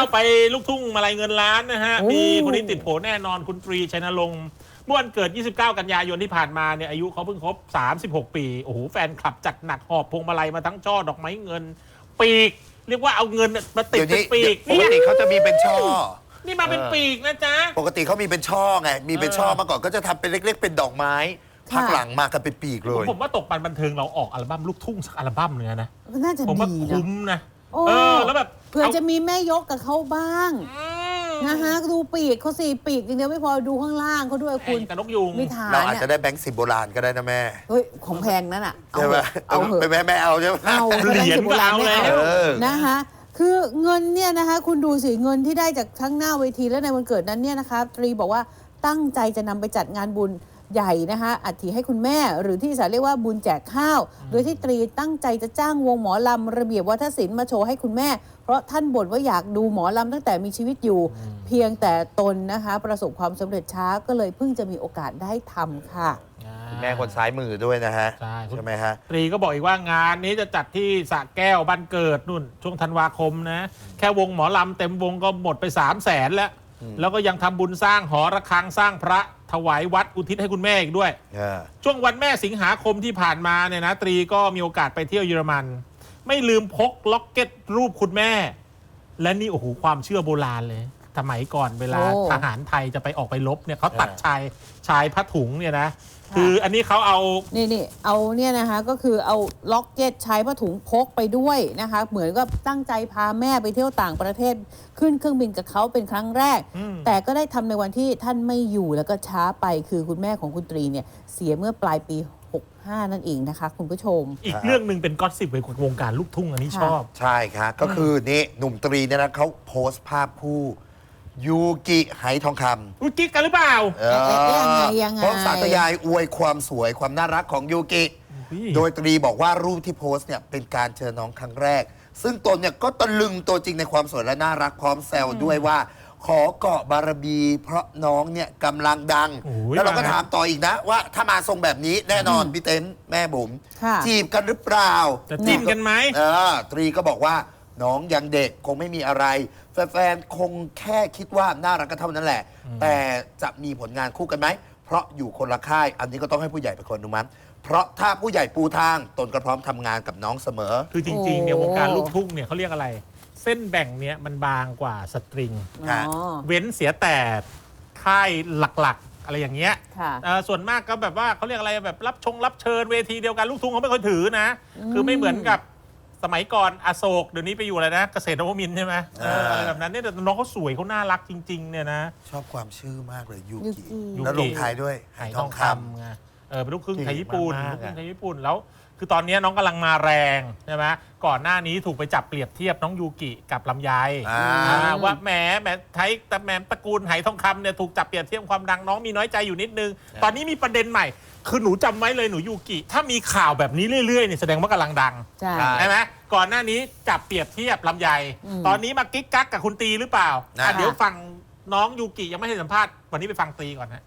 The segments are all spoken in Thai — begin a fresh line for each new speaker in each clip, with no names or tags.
ไปลูกทุ่งมาลัยเงินล้านนะฮะมีคนนี้ติดโผแน่นอนคุณตรีชัยนรงค์เมื่อวันเกิด 29 กันยายนที่ผ่านมาเนี่ยอายุเขาเพิ่งครบ 36 ปีโอ้โหแฟนคลับจัดหนักหอบพวงมาลัยมาทั้งช่อดอกไม้เงินปีกเรียกว่าเอาเงินมาติดเป็นปีก
ปกติเขาจะมีเป็นช่อ
นี่มาเป็นปีกนะจ๊ะ
ปกติเขามีเป็นช่อไงมีเป็นช่อมาก่อนก็จะทำเป็นเล็กๆเป็นดอกไม้ภาคหลังมากันเป็นปีกเลย
ผมว่าตกปันบันเทิงเราออกอัลบั้มลูกทุ่งสักอัลบั้มนึงนะ
น่าจะ
ผมว่าคุ้มนะ
แล้วแบบเผื่อจะมีแม่ยกกับเขาบ้างนะฮะดูปีกเขา4 ปีกอย่างเดียวไม่พอดูข้างล่างเขาด้วยคุณ
กับนกยุง
มีฐาน
เราอาจจะได้แบงค์10 โบราณก็ได้นะแม่
เฮ้ยของแพงนั่นอ่ะ
ใช่ไหมเอาไปแม่เอาใช่ไหม
เอา
เหรียญก็เอาแล้ว
นะคะคือเงินเนี่ยนะคะคุณดูสิเงินที่ได้จากทั้งหน้าเวทีและในวันเกิดนั้นเนี่ยนะคะตรีบอกว่าตั้งใจจะนำไปจัดงานบุญใหญ่นะคะอัฐิให้คุณแม่หรือที่ภาษาเรียกว่าบุญแจกข้าวโดยที่ตรีตั้งใจจะจ้างวงหมอลำระเบียบวัฒนศิลป์มาโชว์ให้คุณแม่เพราะท่านบ่นว่าอยากดูหมอลำตั้งแต่มีชีวิตอยู่เพียงแต่ตนนะคะประสบความสำเร็จช้าก็เลยเพิ่งจะมีโอกาสได้ทำค่ะ
คุณแม่คนซ้ายมือด้วยนะฮะใช่ไหมฮะ
ตรีก็บอกอีกว่างานนี้จะจัดที่สระแก้วบ้านเกิดนู่นช่วงธันวาคมนะแค่วงหมอลำเต็มวงก็หมดไป300,000แล้วก็ยังทำบุญสร้างหอระฆังสร้างพระถวายวัดอุทิศให้คุณแม่อีกด้วยช่วงวันแม่สิงหาคมที่ผ่านมาเนี่ยนะตรีก็มีโอกาสไปเที่ยวเยอรมันไม่ลืมพกล็อกเก็ตรูปคุณแม่และนี่โอ้โหความเชื่อโบราณเลยสมัยก่อนเวลาทหารไทยจะไปออกไปรบเนี่ยเขาตัดชายผ้าถุงเนี่ยนะคืออันนี้เขาเอา
นี่เอาเนี่ยนะคะก็คือเอาล็อกเก็ตใช้ผ้าถุงพกไปด้วยนะคะเหมือนกับตั้งใจพาแม่ไปเที่ยวต่างประเทศขึ้นเครื่องบินกับเขาเป็นครั้งแรกแต่ก็ได้ทำในวันที่ท่านไม่อยู่แล้วก็ช้าไปคือคุณแม่ของคุณตรีเนี่ยเสียเมื่อปลายปี65นั่นเองนะคะคุณผู้ชม
อีกเรื่องหนึ่งเป็นก็อสซิปในวงการลูกทุ่งอันนี้ชอบ
ใช่ครับก็คือนี่หนุ่มตรีเนี่ยนะเขาโพสต์ภาพคู่ยูกิไหทองคำ
ยูกิกันหรือเปล่า
ยังไง
เพราะสาธยายอวยความสวยความน่ารักของยูกิโดยตรีบอกว่ารูปที่โพสต์เนี่ยเป็นการเจอน้องครั้งแรกซึ่งตนเนี่ยก็ตะลึงตัวจริงในความสวยและน่ารักพร้อมแซวด้วยว่าขอเกาะบารมีเพราะน้องเนี่ยกำลังดังแล้วเราก็ถามต่ออีกนะว่าถ้ามาทรงแบบนี้แน่นอนพี่เต้นแม่บุ๋มจีบกันหรือเปล่า
จะจีบกันไหม
ตรีก็บอกว่าน้องยังเด็กคงไม่มีอะไรแฟนๆคงแค่คิดว่าน่ารักกันเท่านั้นแหละแต่จะมีผลงานคู่กันไหมเพราะอยู่คนละค่ายอันนี้ก็ต้องให้ผู้ใหญ่เป็นคนอนุมัติเพราะถ้าผู้ใหญ่ปูทางตนก็พร้อมทำงานกับน้องเสมอ
คือจริงๆเนี่ยวงการลูกทุ่งเนี่ยเขาเรียกอะไรเส้นแบ่งเนี่ยมันบางกว่าสตริงเว้นเสียแต่ค่ายหลักๆอะไรอย่างเงี้ยส่วนมากก็แบบว่าเขาเรียกอะไรแบบรับเชิญเวทีเดียวกันลูกทุ่งเขาไม่ค่อยถือนะคือไม่เหมือนกับสมัยก่อนอโศกเดี๋ยวนี้ไปอยู่อะไรนะเกษตรนวมินทร์ใช่ไหมอะไรแบบนั้นเนี่ยแต่น้องเขาสวยเขาน่ารักจริงๆเนี่ยนะ
ชอบความชื่อมากเลยยูกิแล้วลงท้ายด้วย
ไหทองคำไงเป็นลูกครึ่งไทยญี่ปุ่นลูกครึ่งไทยญี่ปุ่นแล้วคือตอนนี้น้องกำลังมาแรงใช่ไหมก่อนหน้านี้ถูกไปจับเปรียบเทียบน้องยูกิกับลำไยว่าแหมไทยแต่แหมตระกูลไหทองคำเนี่ยถูกจับเปรียบเทียบความดังน้องมีน้อยใจอยู่นิดนึงตอนนี้มีประเด็นใหม่คือหนูจำไว้เลยหนูยูกิถ้ามีข่าวแบบนี้เรื่อยๆเนี่ยแสดงว่ากำลังดังใช่ไหมก่อนหน้านี้จับเปรียบเทียบลำไยตอนนี้มากิ๊กกักกับคุณตีหรือเปล่าเดี๋ยวฟังน้องยูกิยังไม่ให้สัมภาษณ์วันนี้ไปฟังตีก่อนฮะ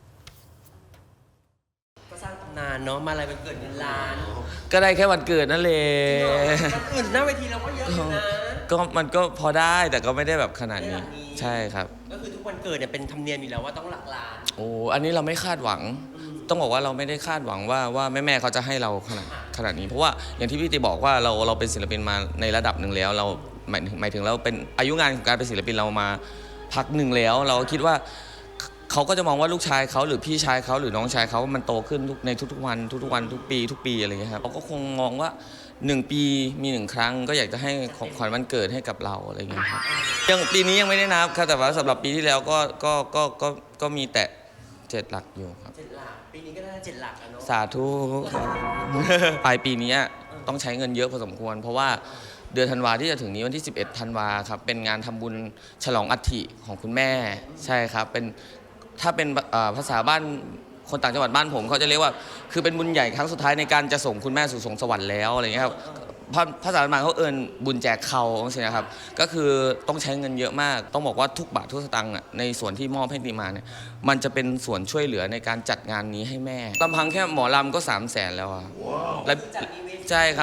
ก็สร้างตำนานเนาะมาอะไรวันเกิดเงินล้าน
ก็ได้แค่วันเกิดนั่นเลย
วันอื่นหน้าเวทีเราก็เยอะอยู่นะ
ก็มันก็พอได้แต่ก็ไม่ได้แบบขนาดนี้ใช่ครับ
ก็คือทุกวันเกิดเนี่ยเป็นธรรมเนียมอยู่แล้วว่าต้องหลักล้าน
โอ้อันนี้เราไม่คาดหวังต้องบอกว่าเราไม่ได้คาดหวังว่าแม่เขาจะให้เราขนาดนี้เพราะว่าอย่างที่พี่ตีบอกว่าเราเป็นศิลปินมาในระดับหนึ่งแล้วเราหมายถึงเราเป็นอายุงานของการเป็นศิลปินเรามาพักหนึ่งแล้วเราคิดว่าเขาก็จะมองว่าลูกชายเขาหรือพี่ชายเขาหรือน้องชายเขามันโตขึ้นในทุกๆวันทุกปีอะไรอย่างเงี้ยครับเขาก็คงมองว่า1 ปีมี1 ครั้งก็อยากจะให้ของขวัญวันเกิดให้กับเราอะไรอย่างเงี้ยครับยังปีนี้ยังไม่ได้นับครับแต่ว่าสำหรับปีที่แล้วก็มีแต่7 หลักอยู่ครับ
7 หลักปีนี้ก็ได้7 หลักเนาะ
สาธุปลายปีนี้ต้องใช้เงินเยอะพอสมควรเพราะว่าเดือนธันวาที่จะถึงนี้วันที่11 ธันวาครับเป็นงานทำบุญฉลองอัฐิของคุณแม่ใช่ครับเป็นถ้าเป็นภาษาบ้านคนต่างจังหวัดบ้านผมเขาจะเรียกว่าคือเป็นบุญใหญ่ครั้งสุดท้ายในการจะส่งคุณแม่สู่สวงสวรรค์แล้วอะไรเงี้ยครับภาษาบ้านเขาบุญแจกเขาใช่ไหมครับก็คือต้องใช้เงินเยอะมากต้องบอกว่าทุกบาททุกสตางค์ในส่วนที่มอบให้ตีมาเนี่ยมันจะเป็นส่วนช่วยเหลือในการจัดงานนี้ให้แม่ลำพังแค่หมอลำก็300,000แล้วแล้วใช่ครับ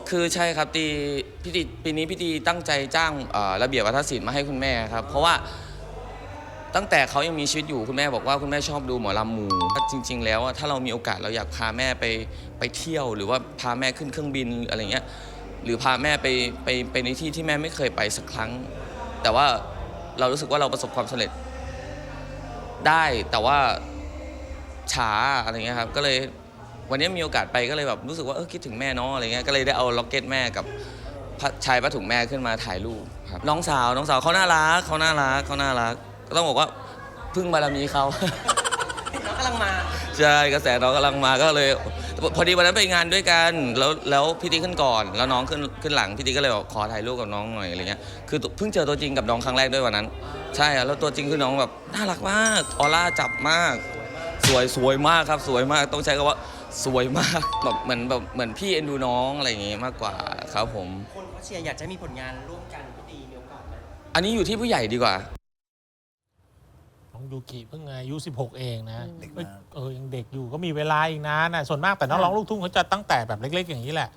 คือใช่ครับปีนี้พี่ตีตั้งใจจ้างระเบียบวัฒนศิลป์มาให้คุณแม่ครับเพราะว่าตั้งแต่เขายังมีชีวิตอยู่คุณแม่บอกว่าคุณแม่ชอบดูหมอลำหมู่จริง ๆ แล้วถ้าเรามีโอกาสเราอยากพาแม่ไปเที่ยวหรือว่าพาแม่ขึ้นเครื่องบินอะไรเงี้ยหรือพาแม่ไปในที่ที่แม่ไม่เคยไปสักครั้ง แต่ว่าเรารู้สึกว่าเราประสบความสำเร็จได้แต่ว่าช้าอะไรเงี้ยครับก็เลยวันนี้มีโอกาสไปก็เลยแบบรู้สึกว่าคิดถึงแม่เนาะอะไรเงี้ยก็เลยได้เอาล็อกเก็ตแม่กับชายผ้าถุงแม่ขึ้นมาถ่ายรูปครับน้องสาวเขาน่ารักก็ต้องบอกว่าพึ่งบารมีเขา
น้องกำลังมา
ใช่กระแสน้องกำลังมาก็เลยพอดีวันนั้นไปงานด้วยกันแล้วพี่ติ๊กขึ้นก่อนแล้วน้องขึ้นหลังพี่ติ๊กก็เลยบอกขอถ่ายรูปกับน้องหน่อยอะไรเงี้ยคือเพิ่งเจอตัวจริงกับน้องครั้งแรกด้วยวันนั้น ใช่แล้วตัวจริงคือน้องแบบน่ารักมากออร่าจับมากสวยมากครับสวยมากต้องใช้คำว่าสวยมากแบบเหมือนพี่เอ็นดูน้องอะไรอย่างงี้มากกว่าครับผม
คนเขาเชียร์อยากจะมีผลงานร่วมกันพี่ตีมีโอกาสไหม
อันนี้อยู่ที่ผู้ใหญ่ดีกว่า
น้องยูกิเพิ่งอายุ 16 เองนะ
เด็กมาก
ยังเด็กอยู่ก็มีเวลาอีกนานนะส่วนมากแต่นักร้องลูกทุ่งเขาจะตั้งแต่แบบเล็ก ๆ อย่างนี้แหละ